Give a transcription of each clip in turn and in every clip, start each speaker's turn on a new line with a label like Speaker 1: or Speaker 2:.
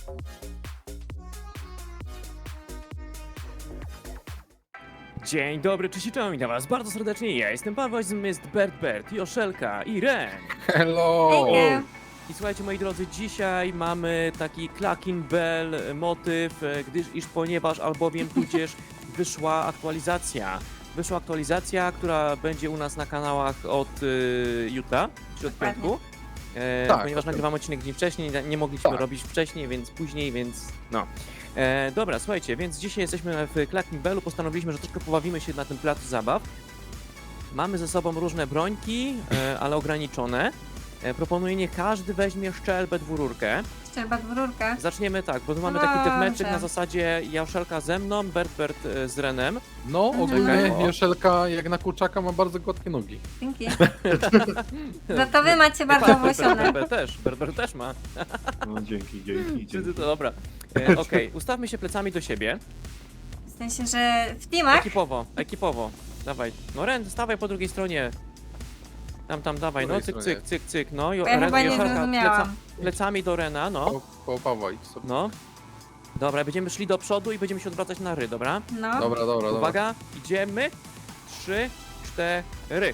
Speaker 1: Dzień dobry, cześć i czołem, witam was bardzo serdecznie. Ja jestem Paweł, z nami jest Bert, Joszelka i Ren.
Speaker 2: Hello!
Speaker 3: Hejka.
Speaker 1: I słuchajcie, moi drodzy, dzisiaj mamy taki Clacking Bell motyw, ponieważ albowiem tudzież wyszła aktualizacja, która będzie u nas na kanałach od jutra, czy od
Speaker 3: Dokładnie.
Speaker 1: piątku.
Speaker 2: Tak,
Speaker 1: Ponieważ
Speaker 2: tak.
Speaker 1: nagrywamy odcinek dzień wcześniej, nie mogliśmy
Speaker 2: Tak.
Speaker 1: robić wcześniej, więc później, więc no. Dobra, słuchajcie, więc dzisiaj jesteśmy w Clacking Bellu, postanowiliśmy, że troszkę pobawimy się na tym placu zabaw. Mamy ze sobą różne brońki, ale ograniczone. Proponuję, niech każdy weźmie szczelbę dwururkę.
Speaker 3: Szczerba dwururka.
Speaker 1: Zaczniemy tak, bo tu mamy taki deathmatchek
Speaker 3: Dobrze.
Speaker 1: na zasadzie Joszelka ze mną, Bert z Renem.
Speaker 2: No,
Speaker 1: Czekaj,
Speaker 2: ogólnie
Speaker 1: o.
Speaker 2: Joszelka jak na kurczaka ma bardzo gładkie nogi.
Speaker 3: Dzięki. Za to wy macie bardzo owłosione.
Speaker 1: Bert też ma.
Speaker 4: No dzięki, dzięki, dzięki.
Speaker 1: Dobra, okej, ustawmy się plecami do siebie.
Speaker 3: W sensie, że w teamach?
Speaker 1: Ekipowo. Dawaj. No Ren, stawaj po drugiej stronie. Tam, dawaj, no
Speaker 2: Której
Speaker 1: cyk,
Speaker 2: stronie?
Speaker 1: cyk. No,
Speaker 3: Bo ja chyba nie
Speaker 1: Joszelka,
Speaker 3: zrozumiałam.
Speaker 1: plecami do Rena, no.
Speaker 2: Po Pawła idź sobie.
Speaker 1: No. Dobra, będziemy szli do przodu i będziemy się odwracać na ry, dobra?
Speaker 3: No.
Speaker 2: Dobra.
Speaker 1: Uwaga, idziemy. 3, 4.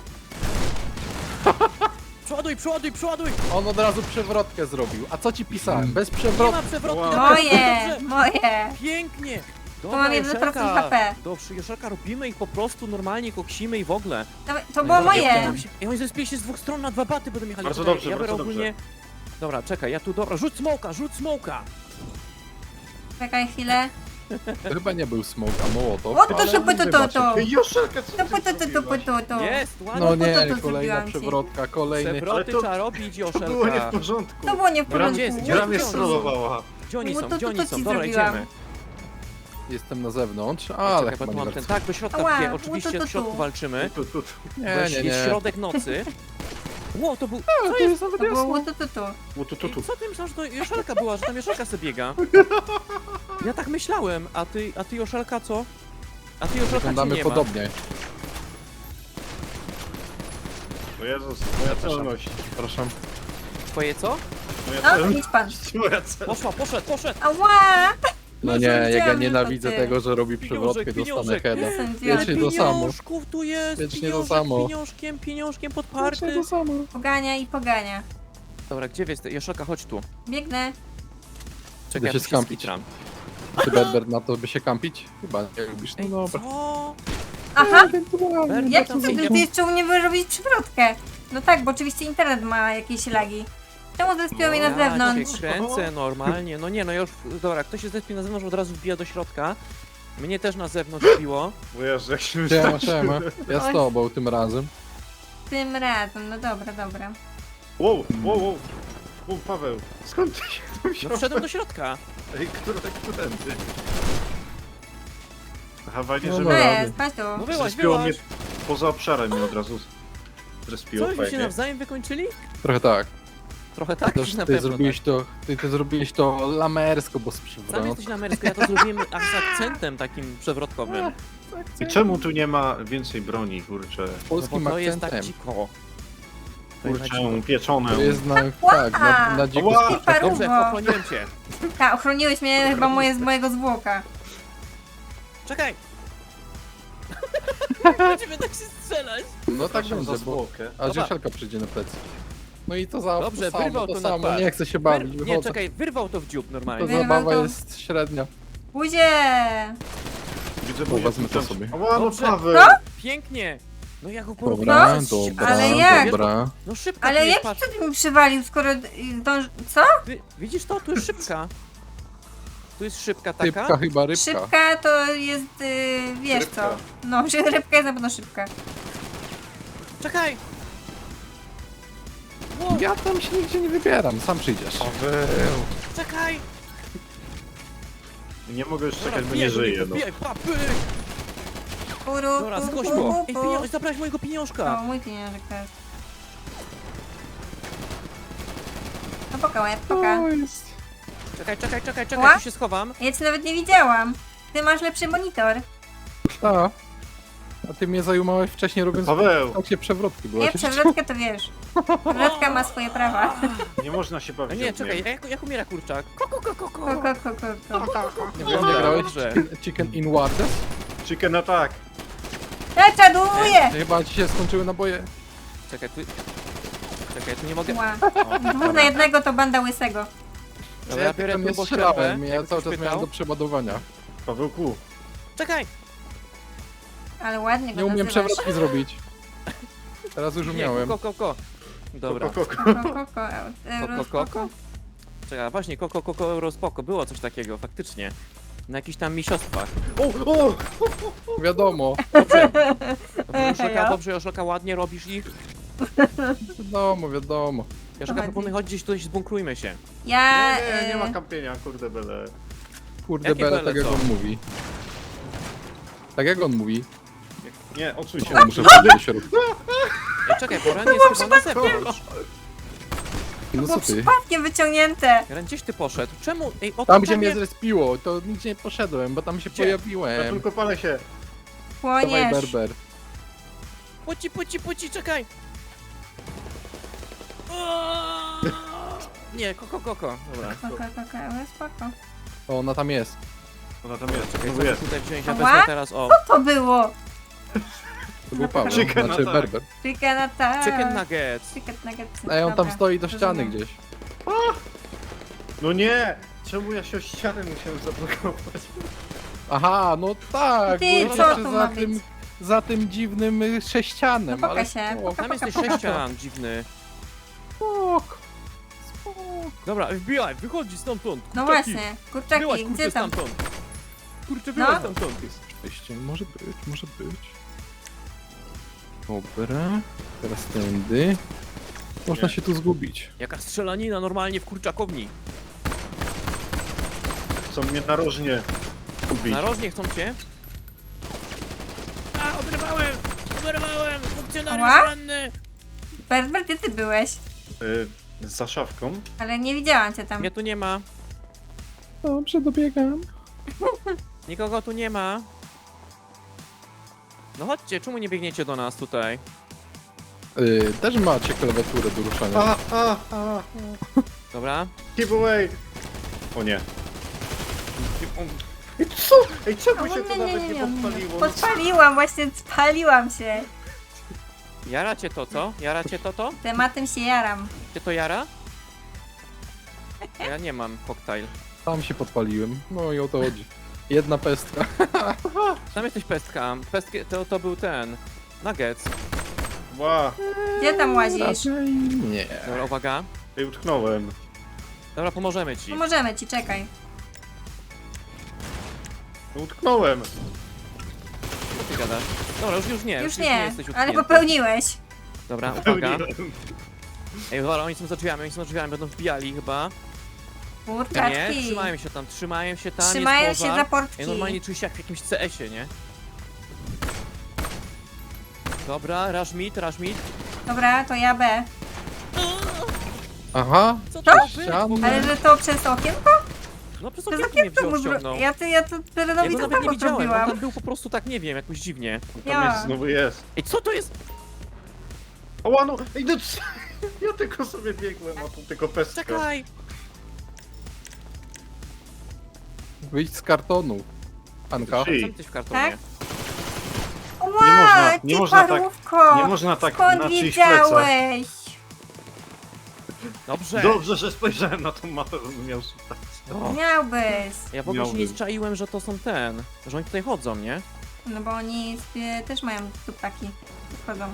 Speaker 1: Przoduj!
Speaker 2: On od razu przewrotkę zrobił. A co ci pisałem? Bez
Speaker 1: Nie
Speaker 2: przewrotki.
Speaker 1: ma przewrotki.
Speaker 4: Wow.
Speaker 1: dobra,
Speaker 3: Moje,
Speaker 1: dobrze.
Speaker 3: moje.
Speaker 1: Pięknie.
Speaker 3: mam 1%
Speaker 1: Joszelka.
Speaker 3: HP.
Speaker 1: Dobrze, Joszelka, robimy ich po prostu normalnie, koksimy i w ogóle.
Speaker 3: To było moje.
Speaker 1: I oni zespili się z dwóch stron na dwa baty, będą jechali.
Speaker 4: Bardzo
Speaker 1: Czekaj,
Speaker 4: dobrze,
Speaker 1: ja biorę
Speaker 4: bardzo
Speaker 1: ogólnie... Dobra, czekaj, ja tu, dobra, rzuć smoka!
Speaker 3: Czekaj chwilę.
Speaker 2: To chyba nie był smoke, a mołotow.
Speaker 3: O, to
Speaker 2: ale-
Speaker 3: to.
Speaker 4: Ej, Joszelka, co
Speaker 3: To
Speaker 4: ty zrobiłaś?
Speaker 3: to.
Speaker 1: Jest, ładnie.
Speaker 2: No
Speaker 3: to
Speaker 2: nie,
Speaker 3: zrobiłam
Speaker 2: kolejna
Speaker 3: ci.
Speaker 2: przewrotka, kolejny.
Speaker 1: Przewroty
Speaker 4: Ale to-
Speaker 1: trzeba robić,
Speaker 4: To było nie w
Speaker 1: Joszelka.
Speaker 4: porządku.
Speaker 3: To było nie w
Speaker 4: Gra
Speaker 1: Gdzie jest?
Speaker 3: porządku.
Speaker 4: Gra mnie
Speaker 1: Gdzie
Speaker 4: strollowała.
Speaker 1: Gdzie oni
Speaker 3: No
Speaker 1: są,
Speaker 3: to
Speaker 1: gdzie oni
Speaker 3: ci
Speaker 1: są? Dobra,
Speaker 3: zrobiłam.
Speaker 1: idziemy.
Speaker 2: Jestem na zewnątrz,
Speaker 1: Czekaj,
Speaker 2: ale
Speaker 1: bo
Speaker 2: chyba
Speaker 1: tu
Speaker 2: nie
Speaker 1: mam
Speaker 2: bardzo.
Speaker 1: ten, tak, do środka,
Speaker 3: Ała,
Speaker 1: gdzie oczywiście
Speaker 3: tu.
Speaker 1: w środku walczymy.
Speaker 4: Tu.
Speaker 2: Nie,
Speaker 1: Weź,
Speaker 2: nie,
Speaker 1: jest
Speaker 2: nie.
Speaker 1: środek nocy. Ło, to był...
Speaker 2: To jest nawet
Speaker 3: To było
Speaker 2: jasno.
Speaker 3: tu.
Speaker 4: Tu.
Speaker 1: Co ty myślałeś, że to Joszelka była, że tam Joszelka sobie biega? Ja tak myślałem, a ty Joszelka co? A ty Joszelka cię
Speaker 2: Wyglądamy
Speaker 1: nie ma.
Speaker 2: podobnie.
Speaker 4: O Jezus, moja celność.
Speaker 2: Przepraszam.
Speaker 1: Twoje co?
Speaker 4: Moja
Speaker 3: No,
Speaker 4: celność.
Speaker 3: idź pan.
Speaker 4: Moja celność.
Speaker 1: Poszedł!
Speaker 3: Ała!
Speaker 2: No nie, jak ja
Speaker 3: Widziałem,
Speaker 2: nienawidzę
Speaker 3: że to ty.
Speaker 2: tego, że robi przewrotkę, dostanę
Speaker 1: pieniążek.
Speaker 2: heada.
Speaker 3: Jestem
Speaker 2: Wiecznie to samo.
Speaker 1: Pieniążków tu jest!
Speaker 2: Wiecznie to samo.
Speaker 1: Pieniążkiem
Speaker 2: Wiecznie
Speaker 1: podparty.
Speaker 2: to samo.
Speaker 3: Pogania i pogania.
Speaker 1: Dobra, gdzie jesteś? Joszelka, chodź tu.
Speaker 3: Biegnę.
Speaker 1: Czekaj,
Speaker 2: Idę
Speaker 1: ja
Speaker 2: się
Speaker 1: tu się
Speaker 2: skampić.
Speaker 1: skitram.
Speaker 2: Ty Bert na to by się kampić? Chyba nie lubisz. No
Speaker 1: Ej,
Speaker 2: dobra.
Speaker 1: co?
Speaker 3: Aha!
Speaker 1: Bert,
Speaker 3: Jak
Speaker 1: tam
Speaker 3: ty,
Speaker 1: idzie.
Speaker 3: ty jeszcze u mnie wyrobić przewrotkę? No tak, bo oczywiście internet ma jakieś lagi. Czemu zespiło mnie na
Speaker 1: Ja
Speaker 3: zewnątrz?
Speaker 1: cię kręcę normalnie. No nie, no już, dobra, ktoś się zespie na zewnątrz, od razu wbija do środka. Mnie też na zewnątrz wbiło.
Speaker 4: O Jezu, jak się
Speaker 2: Siema,
Speaker 4: wystraszyłem.
Speaker 2: siema. Ja z tobą tym razem.
Speaker 3: Tym razem, no dobra.
Speaker 4: Wow. O, Paweł, skąd ty się tu
Speaker 1: No
Speaker 4: wziąłeś?
Speaker 1: wszedłem do środka.
Speaker 4: Ej, którędy? Aha, fajnie,
Speaker 2: No
Speaker 4: że
Speaker 3: No
Speaker 2: dobra.
Speaker 4: mnie
Speaker 3: jest, patrz tu.
Speaker 1: No wyłaź,
Speaker 4: zrespiło mnie
Speaker 1: wyłaź.
Speaker 4: poza obszarem mnie od razu zrespiło
Speaker 1: Co, wy się
Speaker 4: fajnie.
Speaker 1: nawzajem wykończyli?
Speaker 2: Trochę tak.
Speaker 1: Trochę tak,
Speaker 2: Też
Speaker 1: na
Speaker 2: ty
Speaker 1: pewno
Speaker 2: zrobiłeś to, ty zrobiłeś to lamersko, bo z
Speaker 1: tak. Sam
Speaker 2: przewrotką.
Speaker 1: jesteś na amerykańsku, ja to zrobiłem z akcentem takim przewrotkowym.
Speaker 4: I czemu tu nie ma więcej broni, kurczę?
Speaker 2: Z
Speaker 1: No bo
Speaker 2: polskim
Speaker 1: to jest tak
Speaker 2: akcentem.
Speaker 1: dziko. To jest tak dziko.
Speaker 4: Kurczę, pieczone.
Speaker 2: To jest na, tak, na dziko
Speaker 4: Ła!
Speaker 2: z kurczakiem.
Speaker 1: Dobrze,
Speaker 3: Paruwo.
Speaker 1: ochroniłem cię.
Speaker 3: Tak, ochroniłeś mnie chyba z mojego zwłoka.
Speaker 1: Czekaj! Będziemy tak się strzelać.
Speaker 2: No tak
Speaker 4: Przepraszam za
Speaker 2: będzie, bo
Speaker 4: zwłokę.
Speaker 2: a
Speaker 1: Dobra.
Speaker 2: Joszelka przyjdzie na plecy. No i to za
Speaker 1: Dobrze,
Speaker 2: to samo,
Speaker 1: wyrwał
Speaker 2: to
Speaker 1: to na
Speaker 2: samo,
Speaker 1: twarz.
Speaker 2: nie chcę się bawić,
Speaker 1: Nie,
Speaker 2: wychodzę.
Speaker 1: czekaj, wyrwał to w dziób
Speaker 2: To
Speaker 1: normalnie.
Speaker 3: Wyrwał
Speaker 2: zabawa
Speaker 3: to.
Speaker 2: jest średnia.
Speaker 3: Buzie!
Speaker 4: Widzę,
Speaker 2: O, wezmę to sobie.
Speaker 4: Ała, no
Speaker 1: Dobrze.
Speaker 4: Paweł!
Speaker 3: No?
Speaker 1: Pięknie! No ja go
Speaker 2: Dobra,
Speaker 1: porównałem.
Speaker 2: dobra,
Speaker 3: ale jak?
Speaker 2: dobra.
Speaker 1: No szybka
Speaker 3: Ale
Speaker 1: tu jest,
Speaker 3: jak
Speaker 1: patrz.
Speaker 3: ty mi przywalił, skoro dąż... Co?
Speaker 1: Widzisz to? Tu jest szybka. Tu jest szybka taka.
Speaker 2: Rybka chyba, rybka.
Speaker 3: Szybka to jest, wiesz
Speaker 4: Rybka.
Speaker 3: co. No, że rybka jest na pewno szybka.
Speaker 1: Czekaj! Wow,
Speaker 2: Ja tam się nigdzie nie wybieram, sam przyjdziesz.
Speaker 4: Paweł!
Speaker 1: czekaj!
Speaker 4: Nie mogę już
Speaker 1: Dobra,
Speaker 4: czekać, bo
Speaker 1: wbijaj
Speaker 4: nie
Speaker 1: do
Speaker 4: żyję,
Speaker 1: niego,
Speaker 4: no.
Speaker 1: wbijaj, pa, pyk!
Speaker 3: Puru,
Speaker 1: Dobra,
Speaker 3: pu,
Speaker 1: zgłoś
Speaker 3: pu,
Speaker 1: go!
Speaker 3: pu,
Speaker 1: Ej,
Speaker 3: pu.
Speaker 1: pieniądz, zabrałeś mojego
Speaker 3: O,
Speaker 1: pieniążka!
Speaker 3: mój pieniążek teraz. No poka, łeb, poka.
Speaker 2: O, jest.
Speaker 1: Czekaj,
Speaker 3: Ła?
Speaker 1: tu się schowam.
Speaker 3: Ja cię nawet nie widziałam. Ty masz lepszy monitor.
Speaker 2: A ty mnie zajumałeś wcześniej robiąc
Speaker 4: Paweł!
Speaker 2: tak się przewrotki była.
Speaker 3: Nie, przewrotkę to wiesz. Ruletka ma swoje prawa.
Speaker 4: Nie można się
Speaker 1: A
Speaker 4: bawić
Speaker 1: nie,
Speaker 4: ogniem.
Speaker 1: czekaj, jak umiera kurczak? Ko.
Speaker 2: Nie wiem,
Speaker 1: Dobra,
Speaker 2: nie grałeś
Speaker 1: dobrze.
Speaker 2: Chicken in Wardes?
Speaker 4: Chicken attack.
Speaker 3: Ja czaduję!
Speaker 2: Chyba ci się skończyły naboje.
Speaker 1: Czekaj, tu nie mogę.
Speaker 3: Ła. 2 na 1 to banda łysego.
Speaker 1: Dobra, ja biorę
Speaker 2: tam nie
Speaker 1: turbo
Speaker 2: strzelałem,
Speaker 1: ścierwę,
Speaker 2: ja
Speaker 1: jakby
Speaker 2: cały
Speaker 1: ktoś
Speaker 2: czas miałem
Speaker 1: pytał.
Speaker 2: do przeładowania.
Speaker 4: Pawełku,
Speaker 1: Czekaj!
Speaker 3: Ale ładnie go
Speaker 2: Nie umiem
Speaker 3: nazywasz.
Speaker 2: przewrotki zrobić. Teraz już
Speaker 1: Nie,
Speaker 2: umiałem.
Speaker 1: ko. Dobra.
Speaker 4: koko.
Speaker 1: Koko? Czekaj, właśnie, koko, eurospoko. Było coś takiego, faktycznie. Na jakichś tam mistrzostwach.
Speaker 4: O!
Speaker 2: Wiadomo,
Speaker 1: Dobrze, dobrze, Joszelka, ładnie robisz ich.
Speaker 2: wiadomo.
Speaker 1: Joszelka,
Speaker 3: chodzi?
Speaker 1: proponuję, chodź gdzieś tutaj, zbunkrujmy się.
Speaker 3: Ja...
Speaker 4: Nie ma kampienia, kurde bele.
Speaker 2: Kurde,
Speaker 1: Jakie
Speaker 2: bele,
Speaker 1: bele,
Speaker 2: tak jak
Speaker 1: co?
Speaker 2: on mówi. Tak jak on mówi.
Speaker 4: Nie, odsuń się.
Speaker 2: Muszę wejść do środka.
Speaker 1: Ej, czekaj, bo Ren jest chyba na zewnątrz.
Speaker 2: No
Speaker 3: Było
Speaker 2: co ty?
Speaker 3: przypadkiem wyciągnięte.
Speaker 1: Ren, gdzieś ty poszedł? Czemu? Ej, o
Speaker 2: Tam
Speaker 1: to
Speaker 2: gdzie mnie
Speaker 1: nie-
Speaker 2: zrespiło, to nigdzie nie poszedłem, bo tam się
Speaker 1: Gdzie?
Speaker 4: Ja
Speaker 2: pojawiłem.
Speaker 4: tylko palę się.
Speaker 2: Dawaj
Speaker 3: Płoniesz.
Speaker 2: berber.
Speaker 1: Puci, czekaj! Nie, koko. Dobra.
Speaker 3: Koko, ale spoko.
Speaker 2: O, ona tam jest.
Speaker 4: Ona tam jest,
Speaker 1: Czekaj,
Speaker 4: znowu
Speaker 1: co
Speaker 4: jest.
Speaker 1: tutaj wziąć? Ja
Speaker 3: Ała?
Speaker 1: wezmę teraz, o.
Speaker 3: Co to było?
Speaker 2: To był Paweł,
Speaker 4: Chicken
Speaker 2: znaczy
Speaker 4: attack.
Speaker 2: berber.
Speaker 3: Chicken attack.
Speaker 1: Chicken nuggets.
Speaker 3: Chicken nuggets.
Speaker 2: Ej, on tam
Speaker 3: Dobra,
Speaker 2: stoi do ściany
Speaker 3: rozumiem.
Speaker 2: gdzieś.
Speaker 4: No nie! Czemu ja się o ścianę musiałem zablokować?
Speaker 2: Aha, no tak,
Speaker 3: Ty,
Speaker 2: bo
Speaker 3: co
Speaker 2: jeszcze
Speaker 3: tu ma być?
Speaker 2: za tym dziwnym sześcianem,
Speaker 3: No
Speaker 2: ale
Speaker 3: pokaż się,
Speaker 2: spoko,
Speaker 1: Tam jesteś
Speaker 3: Poko.
Speaker 1: sześcian, dziwny.
Speaker 2: spoko.
Speaker 1: Dobra, wbijaj, wychodzi stamtąd.
Speaker 3: No
Speaker 1: kurczaki.
Speaker 3: właśnie,
Speaker 1: Byłaś,
Speaker 3: kurczaki,
Speaker 1: kurczę,
Speaker 3: gdzie tam?
Speaker 1: stamtąd. Kurczę,
Speaker 3: No.
Speaker 1: byłaś stamtąd.
Speaker 2: Oczywiście, może być. Dobra, teraz tędy. Można
Speaker 4: Nie.
Speaker 2: się tu zgubić.
Speaker 1: Jaka strzelanina normalnie w kurczakowni.
Speaker 4: Chcą mnie narożnie ubić.
Speaker 1: Narożnie chcą cię. A, oberwałem! Funkcjonariusz
Speaker 3: Ała?
Speaker 1: ranny!
Speaker 3: Berber, gdzie ty byłeś?
Speaker 4: Za szafką.
Speaker 3: Ale nie widziałam cię tam.
Speaker 1: Mnie tu nie ma.
Speaker 2: Dobrze, dobiegam.
Speaker 1: Nikogo tu nie ma. No chodźcie, czemu nie biegniecie do nas tutaj?
Speaker 2: Też macie klawiaturę do ruszania.
Speaker 1: Dobra.
Speaker 4: Keep away! O nie. Ej, co? Ej, czemu się to nawet nie podpaliło?
Speaker 3: Podpaliłam, właśnie spaliłam się.
Speaker 1: Jara cię to, co? Jara cię to?
Speaker 3: Tematem się jaram.
Speaker 1: Cię to jara? A ja nie mam koktajl.
Speaker 2: Tam się podpaliłem. No i o to chodzi. Jedna pestka.
Speaker 1: Tam jesteś pestka. Pestki, to był ten. Nuggets.
Speaker 4: Ła!
Speaker 3: Gdzie tam łazisz?
Speaker 2: Raczej nie.
Speaker 1: Dobra, uwaga.
Speaker 4: Ej, utknąłem.
Speaker 1: Dobra, pomożemy ci.
Speaker 3: Pomożemy ci, czekaj.
Speaker 4: No, utknąłem.
Speaker 1: Co ty gadasz? Dobra, już nie.
Speaker 3: Już
Speaker 1: nie
Speaker 3: nie,
Speaker 1: jesteś
Speaker 3: ale
Speaker 1: utknięty.
Speaker 3: popełniłeś.
Speaker 1: Dobra, uwaga.
Speaker 4: Pełniłem.
Speaker 1: Ej, dobra, oni są za drzwiami, będą wbijali chyba. Nie,
Speaker 3: Kurczaczki.
Speaker 1: trzymają się tam,
Speaker 3: Trzymają
Speaker 1: jest
Speaker 3: się
Speaker 1: pożar.
Speaker 3: za portki.
Speaker 1: Ej, normalnie czuję się jak w jakimś CS-ie, nie? Dobra, rush mid.
Speaker 3: Dobra, to ja B.
Speaker 2: Aha,
Speaker 1: Co
Speaker 3: Co?
Speaker 1: to
Speaker 2: Ścian?
Speaker 1: było?
Speaker 3: Ale że to przez okienko?
Speaker 1: No przez
Speaker 3: Przez
Speaker 1: okienko mnie
Speaker 3: okienko
Speaker 1: wziął,
Speaker 3: mu
Speaker 1: ściągnął.
Speaker 3: Ja to
Speaker 1: Ja
Speaker 3: Terenowi
Speaker 1: go
Speaker 3: to
Speaker 1: nawet nie
Speaker 3: samo
Speaker 1: widziałem, on
Speaker 3: zrobiłam.
Speaker 1: tam był po prostu tak, nie wiem, jakoś dziwnie.
Speaker 4: Tam
Speaker 3: Ja.
Speaker 4: jest, znowu jest.
Speaker 1: Ej, co to jest?
Speaker 4: Ała, no! Ej, no co? Ja tylko sobie biegłem, a tu tylko pestka.
Speaker 1: Czekaj!
Speaker 2: Wyjdź z kartonu. Anka.
Speaker 4: Ty.
Speaker 1: Co jesteś w kartonie?
Speaker 3: Tak? Ła,
Speaker 4: można- nie
Speaker 3: ty
Speaker 4: można tak-
Speaker 3: parówko!
Speaker 4: Nie można tak
Speaker 3: Skąd
Speaker 4: na czyjś plecach.
Speaker 3: wiedziałeś?
Speaker 1: Dobrze!
Speaker 4: Dobrze, że spojrzałem na tą mapę, bym miał szukać.
Speaker 1: O,
Speaker 3: Miałbyś.
Speaker 1: ja w ogóle się nie
Speaker 4: Miałbym.
Speaker 1: zczaiłem, że to są że oni tutaj chodzą, nie?
Speaker 3: No bo oni sobie też mają tupaki. Wchodzą.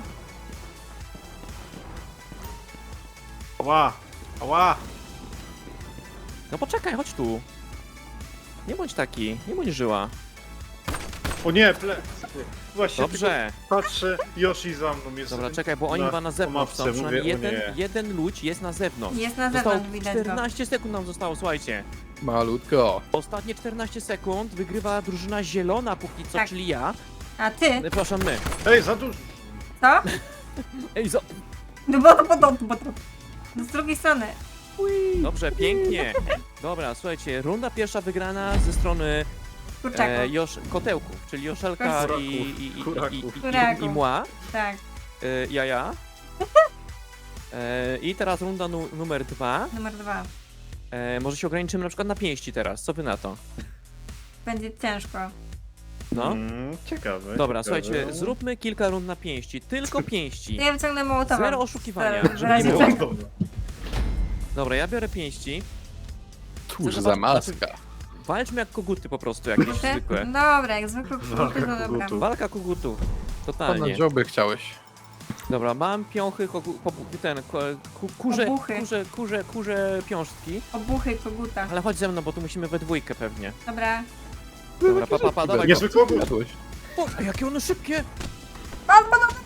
Speaker 4: Ała! Ała!
Speaker 1: No poczekaj, chodź tu. Nie bądź taki, nie bądź żyła.
Speaker 4: O nie, plecy! Właśnie
Speaker 1: Dobrze.
Speaker 4: tylko patrzę, Yoshi za mną jest.
Speaker 1: Dobra, czekaj, bo oni chyba na zewnątrz są.
Speaker 4: mapce,
Speaker 1: Przynajmniej
Speaker 4: mówię, o nie.
Speaker 1: jeden ludź jest na zewnątrz.
Speaker 3: Jest na
Speaker 1: Zostało
Speaker 3: zewnątrz, widać go.
Speaker 1: 14 sekund nam zostało, słuchajcie.
Speaker 2: Malutko.
Speaker 1: Ostatnie 14 sekund wygrywa drużyna zielona póki co,
Speaker 3: Tak.
Speaker 1: czyli ja.
Speaker 3: A ty?
Speaker 1: Przepraszam, my.
Speaker 4: Ej, za dużo!
Speaker 3: Co?
Speaker 1: Ej,
Speaker 3: No bo to. Z drugiej strony.
Speaker 1: dobrze, pięknie. Dobra, słuchajcie, runda pierwsza wygrana ze strony
Speaker 3: Kurczaku.
Speaker 1: kotełków, czyli Joszelka
Speaker 4: Kuraków. Kuraków.
Speaker 1: i Mła,
Speaker 3: Tak.
Speaker 1: jaja. I teraz runda numer 2.
Speaker 3: Numer 2.
Speaker 1: Może się ograniczymy na przykład na pięści teraz, co wy na to?
Speaker 3: Będzie ciężko.
Speaker 1: No.
Speaker 4: Ciekawe.
Speaker 1: Dobra,
Speaker 4: ciekawe.
Speaker 1: słuchajcie, zróbmy kilka rund na pięści, tylko pięści.
Speaker 3: To ja wyciągnę Mołotowa.
Speaker 1: Zero oszukiwania.
Speaker 3: W
Speaker 1: żeby nie
Speaker 3: razie
Speaker 1: było.
Speaker 3: czego.
Speaker 1: Dobra, ja biorę pięści.
Speaker 2: Cóż
Speaker 1: Chcę
Speaker 2: za
Speaker 1: zobaczyć-
Speaker 2: maska.
Speaker 1: Walczmy jak koguty po prostu, jakieś
Speaker 3: Te?
Speaker 1: zwykłe.
Speaker 3: Dobra, jak zwykle kruty, to dobra.
Speaker 4: kogutów.
Speaker 1: Walka kogutów.
Speaker 2: Ponad
Speaker 1: Totalnie.
Speaker 2: dzioby chciałeś.
Speaker 1: Dobra, mam piąchy, kurze
Speaker 3: Obuchy.
Speaker 1: piążki.
Speaker 3: Obuchy koguta.
Speaker 1: Ale chodź ze mną, bo tu musimy we dwójkę pewnie.
Speaker 3: Dobra.
Speaker 1: Dobra, pa, dawaj go.
Speaker 4: Niezły kogut.
Speaker 2: Jadłeś.
Speaker 1: O, a jakie one szybkie!
Speaker 3: Pan,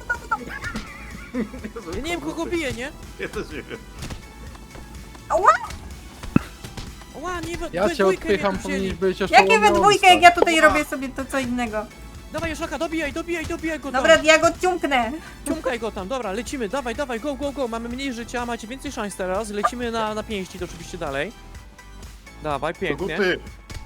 Speaker 1: Ja nie wiem kogo bije, nie?
Speaker 4: Ja też nie wiem.
Speaker 1: Ła, nie we
Speaker 2: Ja
Speaker 1: we
Speaker 2: cię
Speaker 1: dwójkę
Speaker 2: odpycham,
Speaker 1: mnie tu
Speaker 2: powinieneś
Speaker 1: wzięli.
Speaker 2: być jeszcze
Speaker 3: Jakie we
Speaker 2: łowiąca.
Speaker 3: dwójkę, jak ja tutaj robię sobie to co innego.
Speaker 1: Dawaj, Joszelka, dobijaj go tam.
Speaker 3: Dobra, ja go ciumknę.
Speaker 1: Ciumkaj go tam, dobra, lecimy, dawaj, go, mamy mniej życia, macie więcej szans teraz, lecimy na pięści, to oczywiście dalej. Dawaj, pięknie.
Speaker 4: Koguty.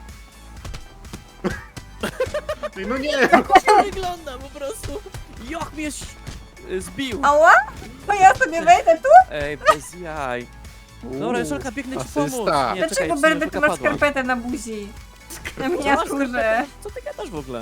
Speaker 4: Ty, no nie!
Speaker 1: To wygląda po prostu. Jak mnie zbił.
Speaker 3: Ała? To ja sobie wejdę tu?
Speaker 1: Ej, bez jaj. Dobra, Joszelka, biegnę ci pomóc.
Speaker 2: asysta.
Speaker 1: Nie,
Speaker 3: Dlaczego
Speaker 1: czekaj,
Speaker 3: Berber ty
Speaker 1: Joszelka
Speaker 3: masz
Speaker 1: padła.
Speaker 3: skarpetę na buzi? Na
Speaker 1: Co masz
Speaker 3: miniaturze.
Speaker 1: skarpetę? Co ty gadasz w ogóle?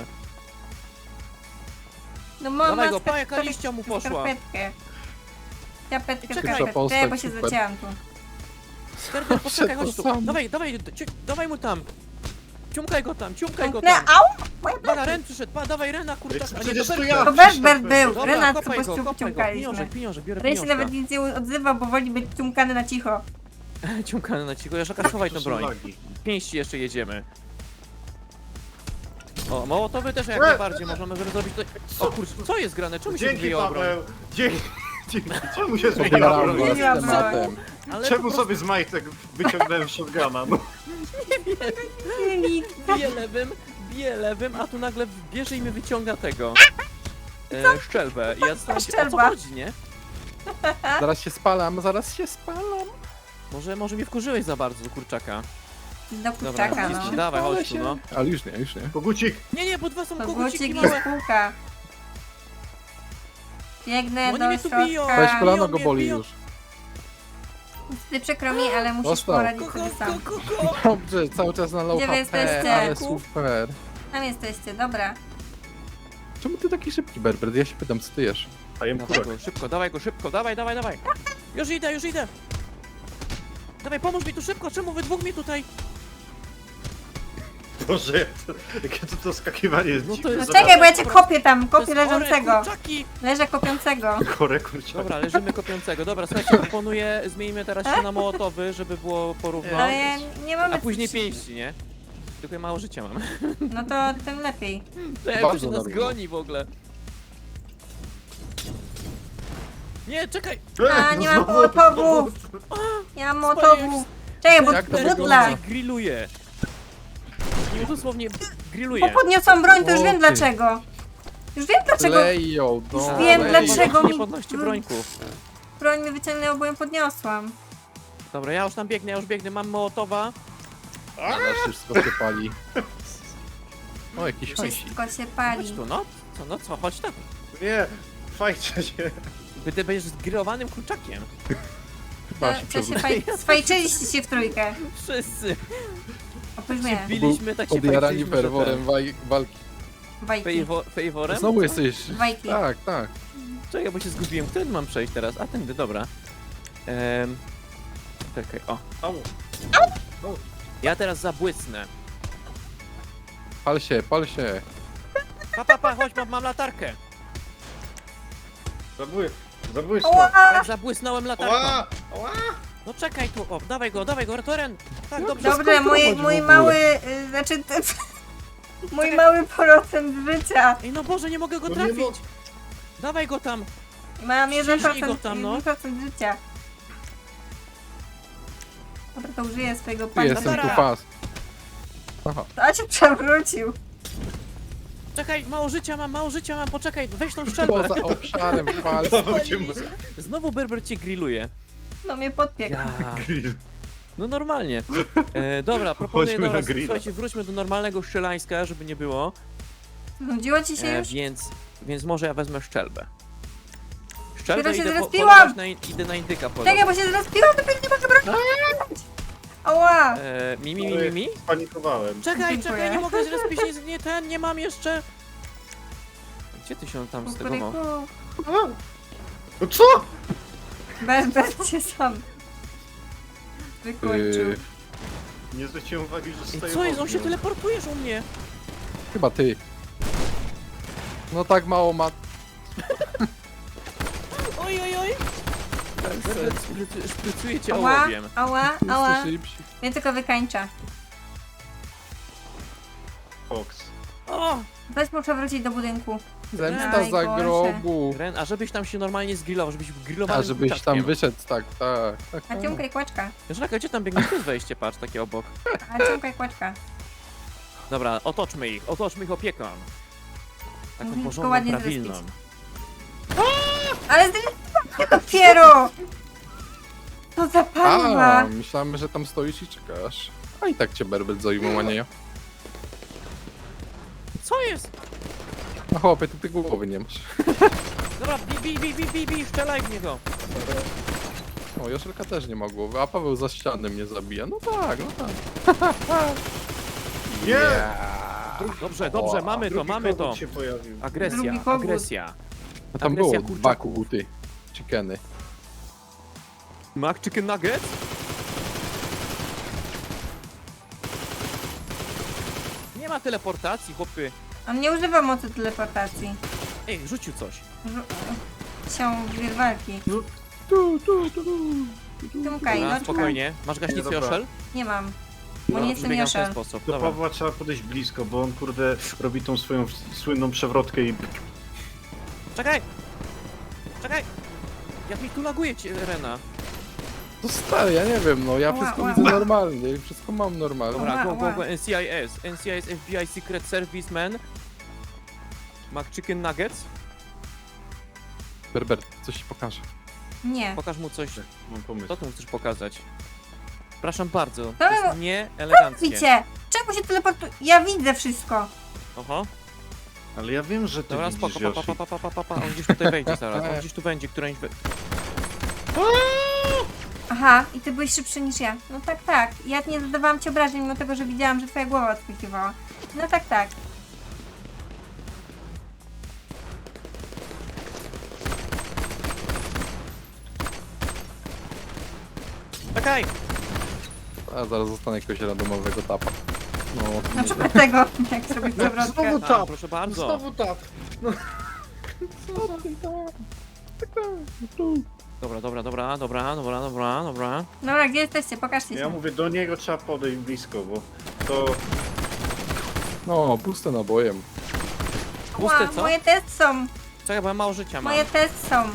Speaker 3: No mama
Speaker 1: Dawaj go, pa, jaka liścia mu poszła.
Speaker 3: Skarpetkę. Skarpetkę,
Speaker 1: Czekaj.
Speaker 3: skarpetkę,
Speaker 2: Postać
Speaker 3: bo się
Speaker 2: super.
Speaker 3: zacięłam tu.
Speaker 1: Berber, poczekaj, chodź tu.
Speaker 2: sam.
Speaker 1: Dawaj mu tam. Ciumkaj go tam.
Speaker 3: No, au! Moja
Speaker 1: Dobra, Ren przyszedł, dawaj Rena, kurczak, a nie
Speaker 4: Przecież
Speaker 1: to
Speaker 4: to
Speaker 1: Berber.
Speaker 4: ja.
Speaker 3: To Berber był.
Speaker 1: Dobra,
Speaker 3: Renat
Speaker 1: kopaj go,
Speaker 3: ciumkaliśmy.
Speaker 1: pieniążek, biorę
Speaker 3: Ren się
Speaker 1: pieniążka.
Speaker 3: nawet nic nie odzywa, bo woli być ciumkany na cicho.
Speaker 1: Ciumkany na cicho, Joszelka, schowaj tą
Speaker 4: To są
Speaker 1: broń.
Speaker 4: lagi.
Speaker 1: Pięści jeszcze jedziemy. O, mołotowy też jak najbardziej możemy zrobić to. O kurczę, co jest grane? Czemu się
Speaker 4: Dzięki,
Speaker 1: wyjęła broń?
Speaker 4: Paweł. Dzięki. Czemu się zmieniła
Speaker 2: Pobieram
Speaker 4: broń?
Speaker 2: was
Speaker 3: Zmieniła
Speaker 2: tematem.
Speaker 1: Ale
Speaker 4: Czemu
Speaker 1: po prostu
Speaker 4: sobie z majtek wyciągnąłem shotguna? No.
Speaker 1: bije lewym, a tu nagle bierze i mi wyciąga tego. Szczelbę. I ja zastanawiam się, o co
Speaker 3: Szczelba.
Speaker 1: chodzi, nie?
Speaker 2: Zaraz się spalam.
Speaker 1: Może mnie wkurzyłeś za bardzo do kurczaka.
Speaker 3: Do
Speaker 1: Dobra,
Speaker 3: kurczaka, no.
Speaker 1: dawaj,
Speaker 2: Ale
Speaker 1: chodź tu,
Speaker 2: się-
Speaker 1: no.
Speaker 2: Ale już nie.
Speaker 4: Kogucik.
Speaker 1: Nie, bo dwa są
Speaker 3: To
Speaker 1: koguciki
Speaker 3: gucik i
Speaker 1: małe.
Speaker 3: spółka. Biegnę
Speaker 1: Oni
Speaker 3: do
Speaker 1: mnie tu biją.
Speaker 2: Weź
Speaker 3: środka.
Speaker 2: kolano go
Speaker 1: mnie
Speaker 2: boli
Speaker 1: biją.
Speaker 2: już.
Speaker 3: Niestety przykro mi, ale musisz
Speaker 2: Dostał.
Speaker 3: poradzić sobie sam.
Speaker 2: Dobrze, cały czas na low
Speaker 3: Gdzie wy
Speaker 2: HP,
Speaker 3: jesteście?
Speaker 2: ale super.
Speaker 3: Tam jesteście, dobra.
Speaker 2: Czemu ty taki szybki, Berber? Ja się pytam, co ty jesz?
Speaker 4: A jem
Speaker 1: Dawaj
Speaker 4: kurek.
Speaker 1: go, szybko, dawaj go, szybko, dawaj. Już idę. Dawaj, pomóż mi tu szybko, czemu wy dwóch mi tutaj?
Speaker 4: Boże, jakie to skakiwanie jest
Speaker 1: No to
Speaker 4: dziwne.
Speaker 1: jest-
Speaker 3: No czekaj, bo ja cię kopię tam,
Speaker 1: To
Speaker 3: kopię
Speaker 1: jest chore,
Speaker 3: leżącego.
Speaker 1: kurczaki!
Speaker 3: Leżę kopiącego.
Speaker 4: Chore kurczaki.
Speaker 1: Dobra, leżymy kopiącego. Dobra, słuchajcie, proponuję, zmienimy teraz się na mołotowy, żeby było porówno.
Speaker 3: Ale ja nie mamy...
Speaker 1: A później pięści, nie? Tylko ja mało życia mam.
Speaker 3: No to tym lepiej.
Speaker 1: To jak
Speaker 2: Bardzo
Speaker 1: się nas
Speaker 2: dobrze.
Speaker 1: goni w ogóle. Nie, czekaj!
Speaker 3: A, nie mam
Speaker 4: Znowu-
Speaker 3: mołotowów. Ja mam mołotowów. Czekaj, bo
Speaker 2: Jak to
Speaker 3: butla.
Speaker 2: wygląda?
Speaker 1: Grilluje. Nie dosłownie
Speaker 3: Bo
Speaker 1: grilluje.
Speaker 3: podniosłam broń, to już
Speaker 2: O,
Speaker 3: wiem
Speaker 2: ty.
Speaker 3: dlaczego. Już wiem dlaczego.
Speaker 2: Leją, no.
Speaker 3: Już wiem,
Speaker 2: leją.
Speaker 3: dlaczego
Speaker 1: Nie
Speaker 3: mi-
Speaker 1: podnoście brońków.
Speaker 3: Broń mi wyciągnęło, bo ją podniosłam.
Speaker 1: Dobra, ja już tam biegnę, mam mołotowa.
Speaker 2: Ale wszystko się pali. O, jakiś hajsik.
Speaker 3: Wszystko się
Speaker 1: Chodź
Speaker 3: pali.
Speaker 1: tu, no co, chodź tak.
Speaker 4: Nie, fajcie się.
Speaker 1: Ty będziesz zgrillowanym kurczakiem.
Speaker 2: Chyba się
Speaker 3: Co się
Speaker 2: przewrócił.
Speaker 3: Swajczyliście się w trójkę.
Speaker 1: Wszyscy.
Speaker 3: Oprócz mnie.
Speaker 1: Biliśmy, tak się
Speaker 2: Podjarani
Speaker 1: fajczyliśmy, że
Speaker 2: ferworem walki.
Speaker 3: Bajki.
Speaker 1: Fejworem?
Speaker 2: Znowu jesteś...
Speaker 3: Bajki.
Speaker 2: Tak.
Speaker 1: Czekaj, bo się zgubiłem. Którym mam przejść teraz? A tędy, dobra. Czekaj, o.
Speaker 4: Au.
Speaker 1: Ja teraz zabłysnę.
Speaker 2: Pal się.
Speaker 1: Pa, chodź, mam latarkę.
Speaker 4: Zabójstwo.
Speaker 3: Ła!
Speaker 1: Tak, zabłysnąłem latarką.
Speaker 4: Ła! Ła!
Speaker 1: No czekaj tu, o, dawaj go, Toren. Tak, dobrze.
Speaker 3: Dobrze,
Speaker 2: skąd
Speaker 3: mój
Speaker 2: chodzi w
Speaker 3: mój
Speaker 2: ogóle?
Speaker 3: mały... Znaczy... Mój mały procent życia.
Speaker 1: Ej, no Boże, nie mogę go
Speaker 4: No nie
Speaker 1: trafić.
Speaker 4: mo-
Speaker 1: Dawaj go tam.
Speaker 3: Mam 1%,
Speaker 1: go tam, no.
Speaker 3: 1% życia. Dobra, to użyję swojego
Speaker 2: Tu
Speaker 3: pana.
Speaker 2: jestem, tu
Speaker 1: Dobra.
Speaker 2: fast. Aha.
Speaker 3: A cię przewrócił.
Speaker 1: Czekaj, mało życia mam, poczekaj, weź tą szczelbę.
Speaker 2: Poza obszarem fal.
Speaker 1: Znowu Berber cię grilluje.
Speaker 3: No mnie podpiekł.
Speaker 1: Ja. No normalnie. Dobra, proponuję
Speaker 4: Chodźmy na
Speaker 1: teraz,
Speaker 4: grilla.
Speaker 1: słuchajcie, wróćmy do normalnego strzelańska, żeby nie było.
Speaker 3: Nudziło ci się już?
Speaker 1: Więc może ja wezmę szczelbę. Szczerze,
Speaker 3: Dopiero się
Speaker 1: idę
Speaker 3: zrespiłam!
Speaker 1: idę na indyka
Speaker 3: Czekaj,
Speaker 1: polować.
Speaker 3: bo się zrespiłam, to nie mogę brać. Ała!
Speaker 1: Mi.
Speaker 4: Spanikowałem.
Speaker 1: Czekaj,
Speaker 3: Dziękuję.
Speaker 1: czekaj, nie mogę zrespić, nie mam jeszcze. Gdzie ty się tam stegował?
Speaker 3: Kukuryku.
Speaker 4: No co?
Speaker 3: Bez cię sam. Wykończył.
Speaker 4: Nie zwróciłem uwagi, że
Speaker 1: Ej,
Speaker 4: stoję
Speaker 1: co jest?
Speaker 4: w
Speaker 1: On się
Speaker 4: ogniu.
Speaker 1: teleportujesz u mnie.
Speaker 2: Chyba ty. No tak mało ma...
Speaker 1: Oj. Szprycuję cię
Speaker 3: Ała,
Speaker 1: ołowiem.
Speaker 3: ała.
Speaker 2: Szybsi.
Speaker 3: Mnie tylko wykańcza.
Speaker 4: Fox.
Speaker 1: O!
Speaker 3: Weź muszę wrócić do budynku.
Speaker 2: Zemsta
Speaker 3: Najgorsze.
Speaker 2: za grobu.
Speaker 1: Ren, a żebyś tam się normalnie zgrillował, żebyś grillowany
Speaker 2: A żebyś tam wyszedł, tak.
Speaker 3: A ciągaj kłaczka.
Speaker 1: Joszelka, gdzie tam biegniesz? Tu jest wejście, patrz, takie obok.
Speaker 3: A ciągaj kłaczka.
Speaker 1: Dobra, otoczmy ich opieką. Taką
Speaker 3: Tylko
Speaker 1: porządną,
Speaker 3: ładnie
Speaker 1: prawilną.
Speaker 3: zrespić. Ale zdecydowałam dopiero! To za
Speaker 2: A,
Speaker 3: panwa!
Speaker 2: myślałem, że tam stoisz i czekasz. A i tak cię Berbet zajmą, a nie ja.
Speaker 1: Co jest?
Speaker 2: No chłopie, ty głowy nie masz.
Speaker 1: Dobra, bij, strzelaj w niego.
Speaker 2: O, Joszelka też nie ma głowy, a Paweł za ściany mnie zabija. No tak.
Speaker 4: Nie!
Speaker 2: Yeah.
Speaker 1: Dobrze, mamy to,
Speaker 4: Drugi
Speaker 1: mamy to.
Speaker 4: kogut się pojawił.
Speaker 3: Drugi kogut.
Speaker 1: Agresja.
Speaker 2: A tam
Speaker 1: Agresja
Speaker 2: było
Speaker 1: kurczaków.
Speaker 2: 2 koguty. Chickeny.
Speaker 1: Mac Chicken Nugget? Nie ma teleportacji, chłopy.
Speaker 3: On nie używa mocy teleportacji.
Speaker 1: Ej, rzucił coś.
Speaker 3: Sią wirwalki. Tymkaj,
Speaker 1: Dobra,
Speaker 3: no
Speaker 1: spokojnie. Masz gaśnicę,
Speaker 4: Dobra.
Speaker 1: Joszel?
Speaker 3: Nie mam. Bo nie jestem
Speaker 1: Biegam w ten
Speaker 3: Joszel.
Speaker 1: sposób.
Speaker 4: Do
Speaker 1: Dobra.
Speaker 4: Pawła trzeba podejść blisko, bo on kurde robi tą swoją słynną przewrotkę i...
Speaker 1: Czekaj! Jak mi tu laguje Rena.
Speaker 2: To stary, ja nie wiem, no ja
Speaker 3: Ła,
Speaker 2: wszystko
Speaker 3: ła,
Speaker 2: widzę
Speaker 3: ła.
Speaker 2: normalnie i wszystko mam normalnie.
Speaker 1: Dobra,
Speaker 3: Ła.
Speaker 1: go, NCIS, FBI Secret Serviceman. Mac Chicken Nuggets.
Speaker 2: Berbert, coś ci pokażę.
Speaker 3: Nie.
Speaker 1: Pokaż mu coś.
Speaker 4: Mam pomysł.
Speaker 1: Co ty mu chcesz pokazać? Przepraszam bardzo. To
Speaker 3: Dobra,
Speaker 1: jest nieeleganckie.
Speaker 3: Widzicie? Czemu się teleportuje? Ja widzę wszystko.
Speaker 1: Oho.
Speaker 4: Ale ja wiem, że ty
Speaker 1: Dobra,
Speaker 4: widzisz,
Speaker 1: spoko,
Speaker 4: Yoshi.
Speaker 1: pa. On gdzieś tutaj wejdzie zaraz. On gdzieś tu będzie, któręś...
Speaker 3: Aha, i ty byłeś szybszy niż ja. No tak. Ja nie zadawałam ci obrażeń, mimo tego, że widziałam, że twoja głowa odskakiwała. No tak.
Speaker 1: Czekaj!
Speaker 2: A zaraz zostanę jakiegoś randomowego tapa. No,
Speaker 3: Na przykład tego, jak zrobić przewrotkę.
Speaker 4: Znowu
Speaker 1: A,
Speaker 4: tap!
Speaker 1: proszę bardzo.
Speaker 4: Znowu tap!
Speaker 1: Dobra.
Speaker 3: Dobra, gdzie jesteście? Pokażcie
Speaker 4: Ja
Speaker 3: się.
Speaker 4: mówię, do niego trzeba podejść blisko, bo to...
Speaker 2: no, puste nabojem.
Speaker 1: Puste, co?
Speaker 3: Moje testy są.
Speaker 1: Czekaj, bo ja mało życia mam.
Speaker 3: Moje testy są.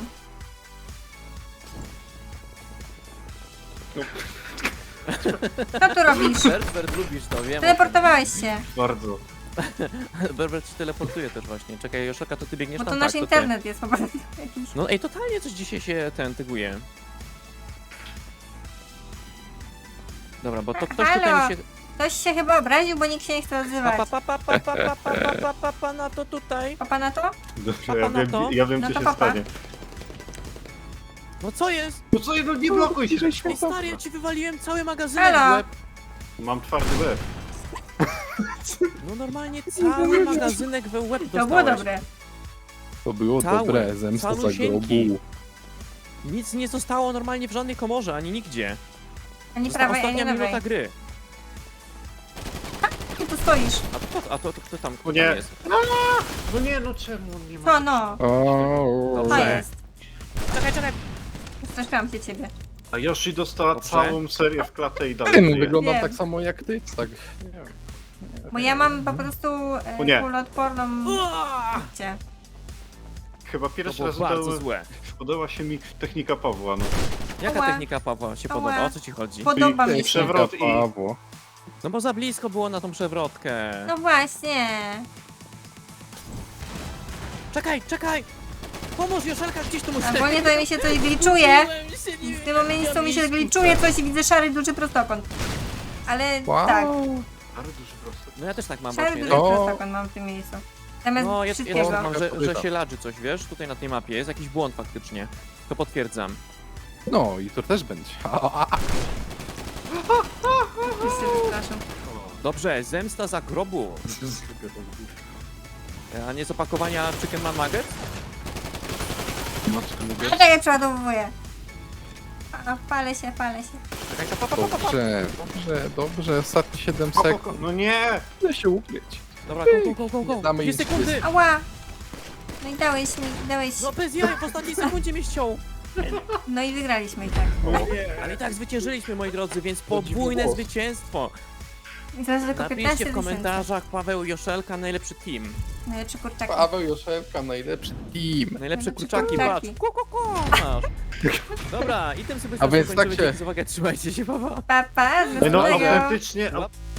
Speaker 3: Co tu robisz?
Speaker 1: Berbert, lubisz to, wiem.
Speaker 3: Teleportowałeś się.
Speaker 4: Bardzo.
Speaker 1: Berbert się teleportuje też właśnie. Czekaj, Joszelka, to ty biegniesz
Speaker 3: Bo
Speaker 1: tam,
Speaker 3: to
Speaker 1: tak,
Speaker 3: nasz
Speaker 1: to ty.
Speaker 3: internet jest po prostu jakiś.
Speaker 1: No ej, totalnie coś dzisiaj się tyguje. Dobra, bo to ktoś
Speaker 3: Halo?
Speaker 1: tutaj mi się...
Speaker 3: Ktoś się chyba obraził, bo nikt się nie chce odzywać.
Speaker 1: Pa, na to tutaj.
Speaker 3: Papa na to?
Speaker 4: Dobrze,
Speaker 1: Papa na to?
Speaker 4: ja wiem
Speaker 3: No
Speaker 4: co
Speaker 3: to
Speaker 4: się
Speaker 3: papa.
Speaker 4: stanie.
Speaker 1: No co jest?
Speaker 4: No co, no nie blokuj się!
Speaker 1: Ej, stary, ja ci wywaliłem cały magazynek w
Speaker 3: Halo?
Speaker 1: łeb.
Speaker 4: Mam twardy łeb.
Speaker 1: No normalnie cały magazynek we łeb
Speaker 3: To było
Speaker 1: dostałeś.
Speaker 3: dobre.
Speaker 2: To było
Speaker 1: Cały,
Speaker 2: dobre, zemsta za
Speaker 1: calusieńki.
Speaker 2: grobu.
Speaker 1: Nic nie zostało normalnie w żadnej komorze, ani nigdzie.
Speaker 3: Ani
Speaker 1: Została
Speaker 3: prawej, ani
Speaker 1: ostatnia minuta
Speaker 3: lewej.
Speaker 1: gry.
Speaker 3: Ty tu stoisz.
Speaker 1: A to kto tam, kto
Speaker 4: O nie.
Speaker 1: tam jest?
Speaker 4: No nie, no czemu on nie ma...
Speaker 3: Co no?
Speaker 2: O,
Speaker 3: To
Speaker 1: Dobrze.
Speaker 3: jest.
Speaker 1: Czekaj.
Speaker 3: Straszyłam się ciebie.
Speaker 4: A Yoshi dostała
Speaker 1: Dobrze.
Speaker 4: całą serię w klatę i dalej
Speaker 2: Ten
Speaker 4: żyje.
Speaker 2: wygląda
Speaker 3: Wiem.
Speaker 2: tak samo jak ty, tak. Nie wiem.
Speaker 3: Bo ja mam po prostu
Speaker 4: O nie.
Speaker 3: kuloodporną...
Speaker 1: Uaa!
Speaker 3: Cię.
Speaker 4: Chyba
Speaker 1: To
Speaker 4: pierwszy
Speaker 1: było
Speaker 4: raz
Speaker 1: bardzo złe.
Speaker 4: podoba się mi technika Pawła, no.
Speaker 1: Jaka
Speaker 3: Ała.
Speaker 1: technika Pawła się
Speaker 3: Ała.
Speaker 1: podoba? O co ci chodzi?
Speaker 3: Podoba mi się.
Speaker 4: przewrot i-
Speaker 2: Pawło.
Speaker 1: No bo za blisko było na tą przewrotkę.
Speaker 3: No właśnie.
Speaker 1: Czekaj! Pomóż, Joszelka, gdzieś tu musi...
Speaker 3: Ogólnie to mi się coś gliczuje.
Speaker 1: Gubiłem się, nie
Speaker 3: W tym momencie
Speaker 1: wiem,
Speaker 3: mi się
Speaker 1: jak
Speaker 3: gliczuje coś i widzę szary duży prostokąt. Ale
Speaker 2: Wow.
Speaker 3: tak,
Speaker 4: Ale duży prosty.
Speaker 1: No ja też tak mam
Speaker 3: szary
Speaker 1: właśnie.
Speaker 3: duży
Speaker 2: To-
Speaker 3: prostokąt mam w tym miejscu. Zamiast
Speaker 1: No, ja
Speaker 3: wszystkiego.
Speaker 1: też mam, że
Speaker 2: Kobieta.
Speaker 1: się ladży coś, wiesz? Tutaj na tej mapie jest jakiś błąd faktycznie. To potwierdzam.
Speaker 2: No i tu też będzie.
Speaker 3: Wszyscy przepraszam.
Speaker 1: Dobrze, zemsta za grobu. A nie z opakowania Chicken Man Nugget?
Speaker 2: Maczkę lubię.
Speaker 3: A czekaj, przeładowuję. A, palę się.
Speaker 1: Czekaj, pa.
Speaker 2: Dobrze, ostatnie 7
Speaker 4: O,
Speaker 2: sekund.
Speaker 4: no nie!
Speaker 2: Chcę się ukryć.
Speaker 1: Dobra, go.
Speaker 2: Damy
Speaker 1: 2
Speaker 2: im
Speaker 1: sekundy.
Speaker 3: Ała! No i dałeś mi.
Speaker 1: No bez jaj, w ostatniej sekundzie mnie ściął.
Speaker 3: No i wygraliśmy i tak.
Speaker 1: Ale i tak zwyciężyliśmy, moi drodzy, więc podwójne
Speaker 2: głos.
Speaker 1: zwycięstwo.
Speaker 3: I teraz tylko 15
Speaker 1: Napiszcie w
Speaker 3: tysięcy.
Speaker 1: komentarzach Paweł Joszelka, najlepszy team.
Speaker 3: Najlepszy kurczak.
Speaker 2: Paweł Joszelka, najlepszy team.
Speaker 1: Najlepsze
Speaker 3: Najlepsze
Speaker 1: kurczaki,
Speaker 3: kurczaki.
Speaker 1: patrz. Masz. Dobra, i tym sobie
Speaker 2: A więc
Speaker 1: kończymy.
Speaker 2: tak się-
Speaker 1: Dzięki za uwagę, trzymajcie się, pa.
Speaker 3: Pa, pa, do
Speaker 4: No
Speaker 3: następnego.
Speaker 4: autentycznie,